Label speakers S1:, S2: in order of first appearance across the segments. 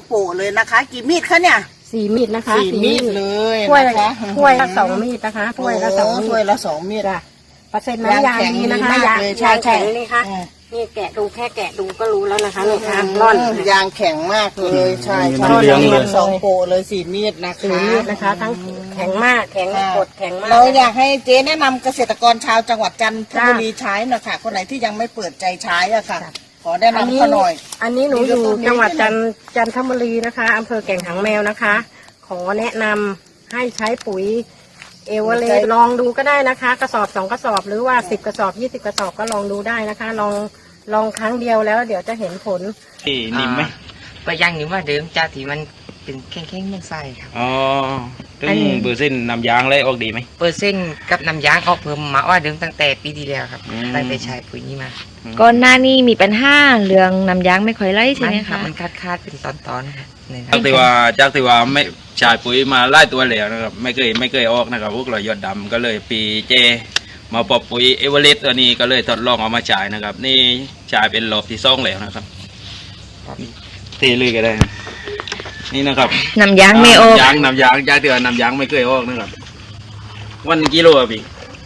S1: โปะเลยนะคะกี่มีดคะเนี่ย
S2: 4 มีดนะคะ
S1: 4 มีดเลย
S2: ถ้วย
S1: นะคะ
S2: ถ้วยละ2 มีดนะคะถ้วยละ2 มีด
S1: ถ้วยละ2 มีด
S2: จ้ะเปอร์เซ็นต์น้ำยางดีนะคะยางแข็งนี่ค่ะนี่แกะดูแค่แกะดูก็รู้แล้วนะคะนี่ค่ะร่อน
S1: ยางแข็งมากเลยใช่ใช่2 โปะเลย4 มีดนะคะ
S2: 4 มีดนะคะทั้งแข็งมากแข็งกดแข็งมาก
S1: เราอยากให้เจ๊แนะนำเกษตรกรชาวจังหวัดจันทบุรีใช้หน่อยค่ะคนไหนที่ยังไม่เปิดใจใช้อ่ะค่ะขอแนะนำเขาหน่อย
S2: อันนี้หนูอยู่จังหวัดจันทบุรีนะคะอำเภอแก่งหางแมวนะคะขอแนะนำให้ใช้ปุ๋ยเอเวอเรสต์ลองดูก็ได้นะคะกระสอบ2 กระสอบหรือว่า10 กระสอบ20 กระสอบก็ลองดูได้นะคะลองครั้งเดียวแล้วเดี๋ยวจะเห็นผล
S3: นิ่มไหม
S4: ก็ยังนิ่มว่าเดิมจากที่มันเป็นแข็งๆมันใส่ครับ
S3: อ๋อซึ่งเปอร์เซ็นต์น้ำยางเลยออกดีไหม
S4: เปอร์เซ็นต์กับน้ำยางออกเพิ่มมาว่าเดิมตั้งแต่ปีที่แล้วครับตั้งแต่ใช้ปุ๋ยนี้มา
S5: ก่อนหน้านี้มีปัญหาเรื่องน้ำยางไม่ค่อยไหลใช่ไหมคะ
S4: มันคาดเป็นตอนๆครับ
S3: จากที่ว่าไม่ใช้ปุ๋ยมาไล่ตัวแล้วนะครับไม่เคยออกนะครับพวกเรายอดดำก็เลยปีเจมาปรับปุ๋ยเอเวอเรสต์ตัวนี้ก็เลยทดลองเอามาจ่ายนะครับนี่จ่ายเป็นรอบที่2แล้วนะครับตีเลยก็ได้นี่นะครับ
S5: น้ำยางไม่ออก
S3: น้ำยางจากที่ว่าน้ำยางไม่เคยออกนะครับวันกิโลอ่ะพี่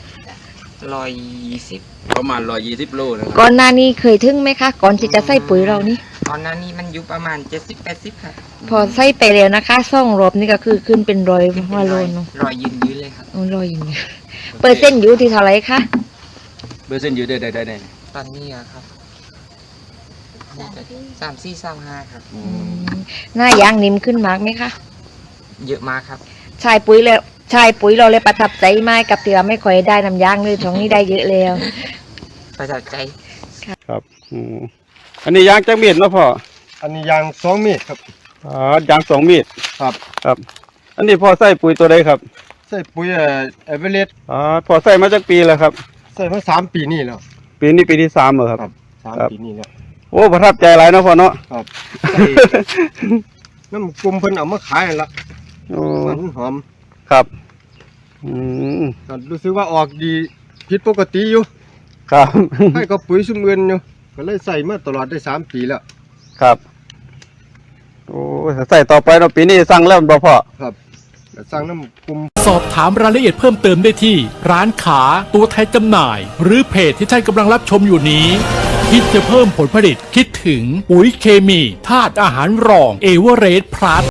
S4: 120
S3: ประมาณ120 โลนะครับ
S5: ก่อนหน้านี้เคยถึงไหมคะก่อนที่จะใส่ปุ๋ยเรานี่
S4: ตอนนั้นนี่มันอยู่ประมาณ70-80ค่ะ
S5: พอใส่ไปแล้วนะคะ2 รอบนี่ก็คือขึ้นเป็น100 หัวโลเนาะ
S4: 100ยืนเลยครับ
S5: 100ยืนเปอร์เซ็นต์อยู่ที่เท่าไหร่คะ
S3: เปอร์เซ็นต์อยู่ได้
S4: ตอนนี้ครับ34-35ครับ
S5: หน้ายางนิ่มขึ้นมากไหมคะ
S4: เยอะมากครับ
S5: ใช้ปุ๋ยเราเลยประทับใจมากกับที่ว่าไม่ค่อยได้น้ำยางเลยช่วงนี้ได้เยอะแล้ว
S4: ประทับใจ
S3: ครับอันนี้ยางจักมีดเนาะพ่อ
S6: อันนี้ยาง2 มีดครับ
S3: ยาง2 มีดครับอันนี้พ่อใส่ปุ๋ยตัวใดครับ
S6: ใส่ปุ๋ยเอเวอเรสต์
S3: พ่อใส่มาจากปีแล้วครับ
S6: ใส่มา3 ปีนี่แล้ว
S3: ปีนี้ปีที่3เหรอครับ
S6: 3 ปีนี่แล้ว
S3: โอ้ประทับใจหลายเนาะพ่อเนาะ
S6: ครับน้ำกลุ่มเพิ่นเอามาขายละมันหอม
S3: ครับ
S6: รู้สึกว่าออกดีผิดปกติอยู่
S3: ครับ
S6: ให้กับปุ๋ยซุ่มเงินอยู่ก็เลยใส่มาตลอดได้3 ปีแล้ว
S3: ครับโอ้ใส่ต่อไปเนาะปีนี้สั่งแล้วบ่พ่อ
S6: ครับสั่งน้ำกลุ่ม
S7: สอบถามรายละเอียดเพิ่มเติมได้ที่ร้านค้าตัวแทนจำหน่ายหรือเพจที่ท่านกำลังรับชมอยู่นี้คิดจะเพิ่มผลผลิตคิดถึงปุ๋ยเคมีธาตุอาหารรองเอเวอเรสต์พลัส